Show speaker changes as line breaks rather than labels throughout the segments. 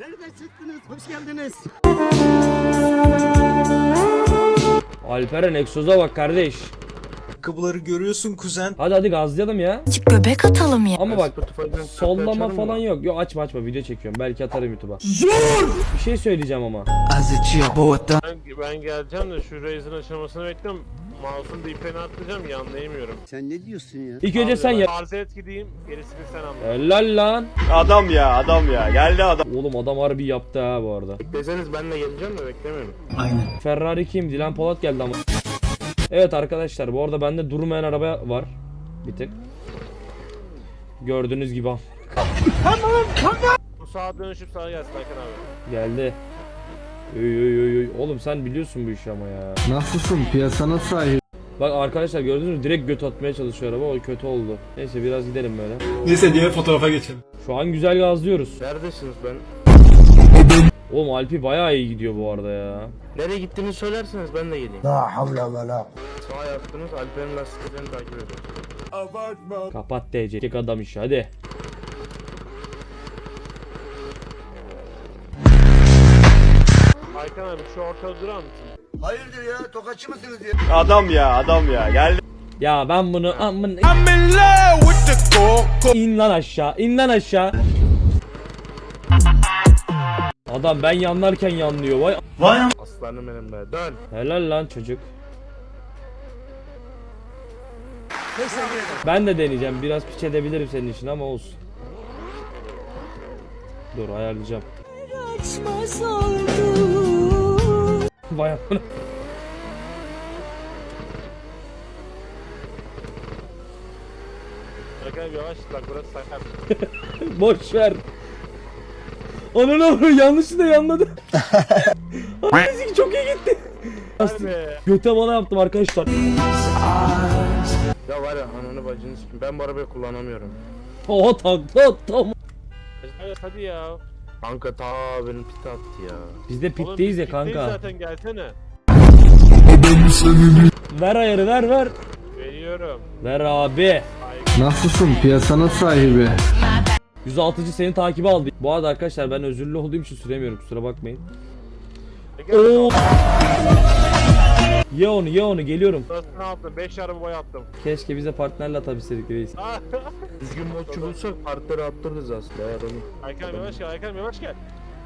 Nereden çıktınız? Hoş geldiniz.
Alperen egzoza bak kardeş.
Ayakkabıları görüyorsun kuzen.
Hadi gazlayalım ya.
Göbek atalım ya.
Ama bak
Spotify'dan
sollama
açarım
falan
mı?
yok. Yok açma video çekiyorum. Belki atarım YouTube'a. Zor! Bir şey söyleyeceğim ama.
Ben geleceğim de şu Raze'in açılmasını bekliyorum. Mouse'un da ipini atlayacağım yanlayamıyorum.
Sen ne diyorsun ya?
İlk önce sen ya.
Arz et gideyim gerisini sen anla.
Helal lan.
Adam ya geldi adam.
Oğlum adam harbi yaptı ha bu arada.
Deseniz ben de geleceğim de beklemiyorum.
Ferrari kim? Dilan Polat geldi ama. Evet arkadaşlar bu arada bende durmayan araba var. Bir tık. Gördüğünüz gibi.
Bu sağa dönüşüp sağa gelsin Hakan abi.
Geldi. Oy. Oğlum sen biliyorsun bu işi ama ya.
Nasılsın? Piyasana sahip.
Bak arkadaşlar gördünüz mü? Direkt göt atmaya çalışıyor araba. O kötü oldu. Neyse biraz gidelim böyle.
Neyse diğer fotoğrafa geçelim.
Şu an güzel gazlıyoruz.
Neredesiniz ben?
Oğlum Alpi bayağı iyi gidiyor bu arada ya.
Nereye gittiğini söylerseniz ben de geleyim.
La havle ve la.
Sağa yaptınız Alper'in lastiklerini takip edin.
Kapat DC. Kek adam işi hadi.
Hakan abi şu ortada durar mısın?
Hayırdır ya? Tokatçı mısınız ya?
Adam ya geldi.
Ya ben bunu amın... İn lan aşağı. İn lan aşağı. Adam ben yanlarken yanlıyor. Vay.
Aslanım benim be dön.
Helal lan çocuk. Ben de deneyeceğim. Biraz piç edebilirim senin için ama olsun. Dur ayarlayacağım. Vay amına.
Hakan abi yavaş bak burası sakar.
Boş ver. Ananı yanlışlıkla yanladı. Müzik çok iyi gitti.
Hadi be.
Göte bana yaptım arkadaşlar.
Ya var ya ananı bacını sikim ben bu arabayı kullanamıyorum.
Oha takla tam.
Evet hadi ya. Kanka ta benim pit attı ya.
Biz de
Oğlum,
pitteyiz ya
biz pitteyiz
kanka.
zaten gelsene.
Ver ayarı ver.
Veriyorum.
Ver abi.
Nasılsın? Piyasana sahibi.
106. seni takibe aldı. Bu arada arkadaşlar ben özürlü olduğum için süremiyorum kusura bakmayın.
Gel
Oo. Ye onu geliyorum.
Burası ne yaptım? 5 araba boy attım.
Keşke bize partnerle atabilseydik reis.
Düzgün modçu bulsak partları attırırız aslında ya adamı. Hakan yavaş gel, Hakan yavaş gel.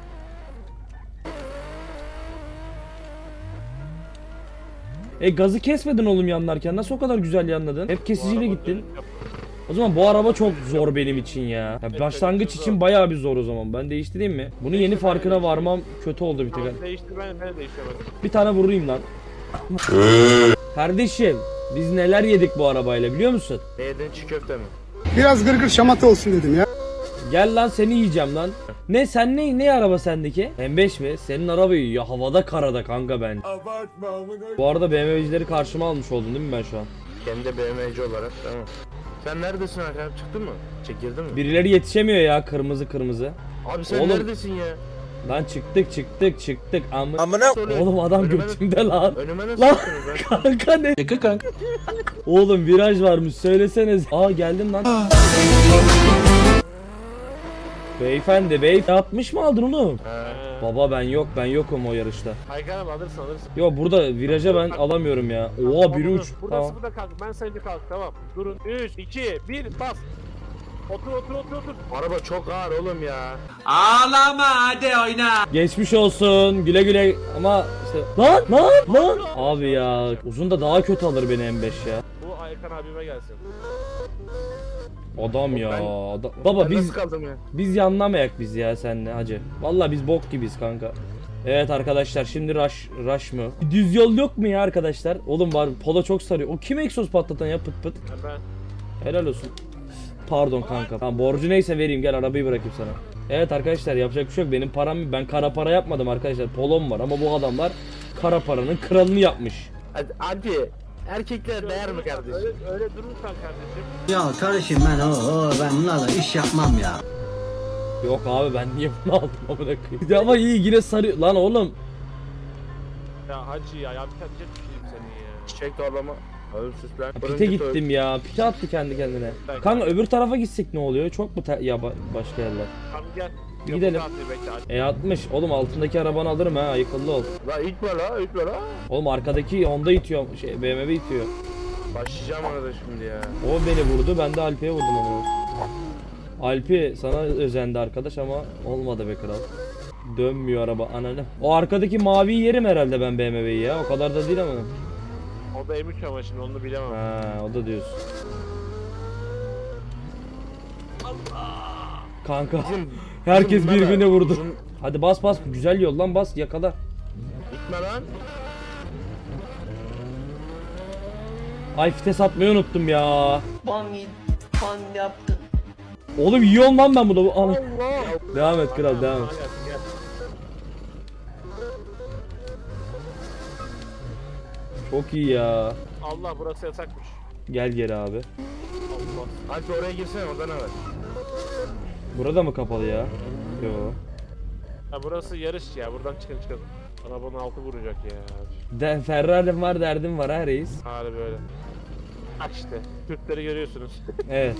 Gazı kesmedin oğlum yanlarken nasıl o kadar güzel yanladın? Hep
Bu
kesiciyle
araba
gittin.
dönüş yaptı.
O zaman bu araba çok zor benim için ya. Başlangıç için bayağı bir zor o zaman. Ben değiştireyim mi? Bunu yeni farkına varmam kötü oldu bir tek.
Tamam değiştir ben de değiştiremedim.
Bir tane vurayım lan. Kardeşim biz neler yedik bu arabayla biliyor musun?
Ne yedin çiğ köfte mi?
Biraz gırgır şamata olsun dedim ya.
Gel lan seni yiyeceğim lan. Ne sen ne araba sendeki? M5 mi? Senin arabayı ya havada karada kanka ben. Bu arada BMW'cileri karşıma almış oldun değil mi ben şu an?
Kendi BMW'ci olarak tamam. Sen neredesin Hakan? Çıktın mı? Çekildin mi?
Birileri yetişemiyor ya kırmızı.
Abi sen
Oğlum.
neredesin ya?
Lan çıktık
Amına
Oğlum adam
Önüme-
götümde lan.
Önüme nasıl
Lan.
çıktınız lan?
Kanka ne? Oğlum viraj varmış söyleseniz. Aa geldim lan. Beyefendi yapmış mı aldın oğlum?
He.
Baba ben yokum o yarışta.
Hakan abi alırsın.
Yo burada viraja ben alamıyorum ya. Oha biri uç.
Burada
Tamam.
sıfırda kalk. Ben sayınca kalk tamam. Durun. 3, 2, 1 bas. Otur. Araba çok ağır oğlum ya.
Geçmiş olsun. Güle güle ama işte lan. Abi ya uzun da daha kötü alır beni M5 ya.
Bu Hakan abime gelsin.
Adam ya.
Ben-
Baba
Ben
biz
nasıl kaldım ya?
biz yanlamayak biz ya seninle hacı. Vallahi biz bok gibiyiz kanka. Evet arkadaşlar şimdi rush mı? Düz yol yok mu ya arkadaşlar? Oğlum var Polo çok sarıyor. O kim egzoz patlatan ya pıt pıt.
Ben.
Helal olsun. Pardon kanka. Tamam borcu neyse vereyim gel arabayı bırakayım sana. Evet arkadaşlar yapacak bir şey yok. Benim param ben kara para yapmadım arkadaşlar. Polom var ama bu adamlar kara paranın kralını yapmış.
Hadi. Erkekler değer mi kardeşim? Öyle durursan kardeşim.
Ya kardeşim ben bunlarla iş yapmam ya.
Yok abi ben niye bunu aldım amına koyayım. Ya ama iyi yine sarıyor. Lan oğlum.
Ya hacı ya yapacak bir şeyim seni ya. Çiçek torlama. Oğlum sus lan.
Pite gittim ya. Pite attı kendi kendine. Kanka öbür tarafa gitsek ne oluyor? Çok mu başka yerler?
Tamam gel.
Gidelim.
Bekle.
E60. Oğlum altındaki arabanı alırım ha. Akıllı ol.
La itme la itme la.
Oğlum arkadaki Honda itiyor. BMW itiyor.
Başlayacağım arada şimdi ya.
O beni vurdu. Ben de Alpi'ye vurdum onu. Alpi sana özendi arkadaş ama olmadı be kral. Dönmüyor araba ananı. O arkadaki maviyi yerim herhalde ben BMW'yi ya. O kadar da değil ama.
O da M3 ama şimdi onu bilemem.
Ha, o da diyorsun. Kanka herkes
uzun
birbirine
bana-
vurdu.
uzun-
Hadi bas bas, güzel yol lan, bas yakala.
Gitme lan.
Ay vites atmayı unuttum ya.
Ban yaptın.
Oğlum yiyorum lan ben bunu. Ana.
Allah.
Devam et kral, devam et.
Gel, gel.
Çok iyi ya.
Allah burası yasakmış.
Gel geri abi.
Allah. Alp oraya girsene orada ne var?
Burada mı kapalı ya? Yo.
Ha burası yarış ya buradan çıkalım. Arabanın altı vuracak ya.
Ferrari'm var, derdim var ha reis.
Hali böyle. Bak işte Türkleri görüyorsunuz.
Evet.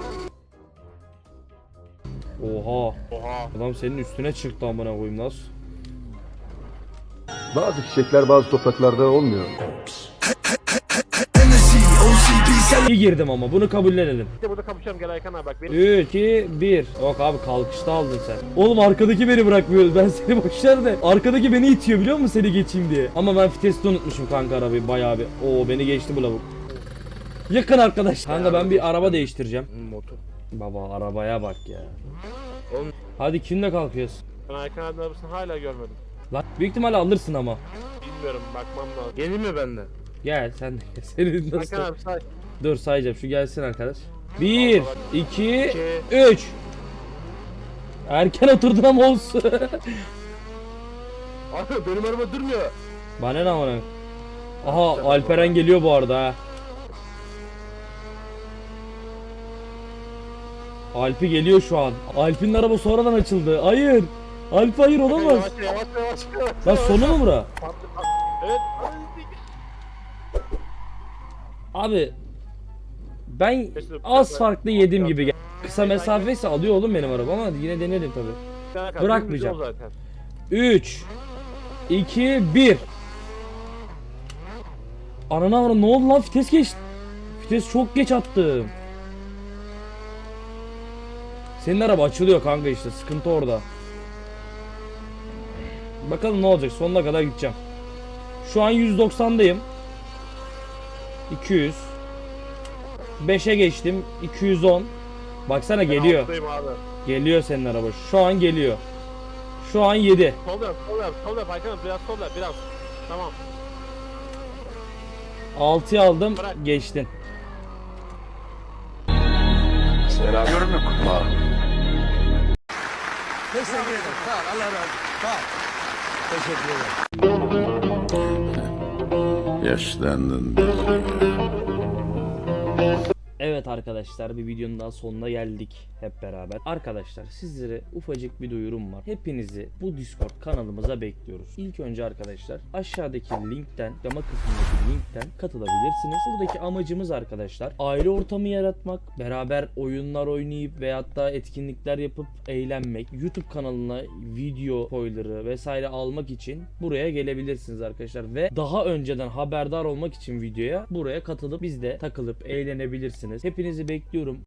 Oha.
Oha.
Adam senin üstüne çıktı amına koyayım, nasıl?
Bazı çiçekler bazı topraklarda olmuyor.
İyi girdim ama bunu kabullenelim.
Bir de burada kapışalım gel Aykan abi bak benim.
3, 2, 1. Yok abi kalkışta aldın sen. Oğlum arkadaki beni bırakmıyor. Ben seni boşver de. Arkadaki beni itiyor biliyor musun seni geçeyim diye. Ama ben vitesi unutmuşum kanka arabayı bayağı bir. Oo beni geçti bu lavuk. Yakın arkadaş. Kanka ben bir araba değiştireceğim.
Motor.
Baba arabaya bak ya.
Oğlum.
Hadi kimle kalkıyorsun?
Ben Aykan abinin arabasını hala görmedim.
Lan büyük ihtimalle alırsın ama.
Bilmiyorum bakmam lazım. Gelin mi bende?
Gel sen de gel. Senin nasıl?
Aykan abi say.
Dur sayacağım şu gelsin arkadaş. 1, 2,
2.
3. Erken oturdun ama olsun.
Abi benim araba durmuyor.
Bana ne amına? Aha Alperen geliyor bu arada ha. Alpi geliyor şu an. Alp'in araba sonradan açıldı. Hayır. Alp hayır olamaz.
Yavaş yavaş yavaş.
Lan sonu mu bura?
Evet.
Abi ben az farklı yedim gibi. Kısa mesafeyse alıyor oğlum benim araba ama yine denerim tabi. Bırakmayacağım.
Zaten.
3 2 1. Ananı avradım, ne oldu lan, vites geçti. Vites çok geç attım. Senin araba açılıyor kanka, işte sıkıntı orada. Bakalım ne olacak, sonuna kadar gideceğim. Şu an 190'dayım. 200. 5'e geçtim. 210. Baksana geliyor.
Alttayım abi.
Geliyor senin araba. Şu an geliyor. Şu an 7.
Sol yap, sol yap, sol yap Aykan abi biraz sol yap biraz. Tamam.
6'yı aldım.
Bırak.
Geçtin.
Yaşlandın.
Evet arkadaşlar, bir videonun daha sonuna geldik hep beraber. Arkadaşlar sizlere ufacık bir duyurum var. Hepinizi bu Discord kanalımıza bekliyoruz. İlk önce arkadaşlar aşağıdaki linkten, yama kısmındaki linkten katılabilirsiniz. Buradaki amacımız arkadaşlar aile ortamı yaratmak, beraber oyunlar oynayıp veyahut da etkinlikler yapıp eğlenmek. YouTube kanalına video spoiler'ı vesaire almak için buraya gelebilirsiniz arkadaşlar ve daha önceden haberdar olmak için videoya buraya katılıp bizde takılıp eğlenebilirsiniz. Hepinizi bekliyorum.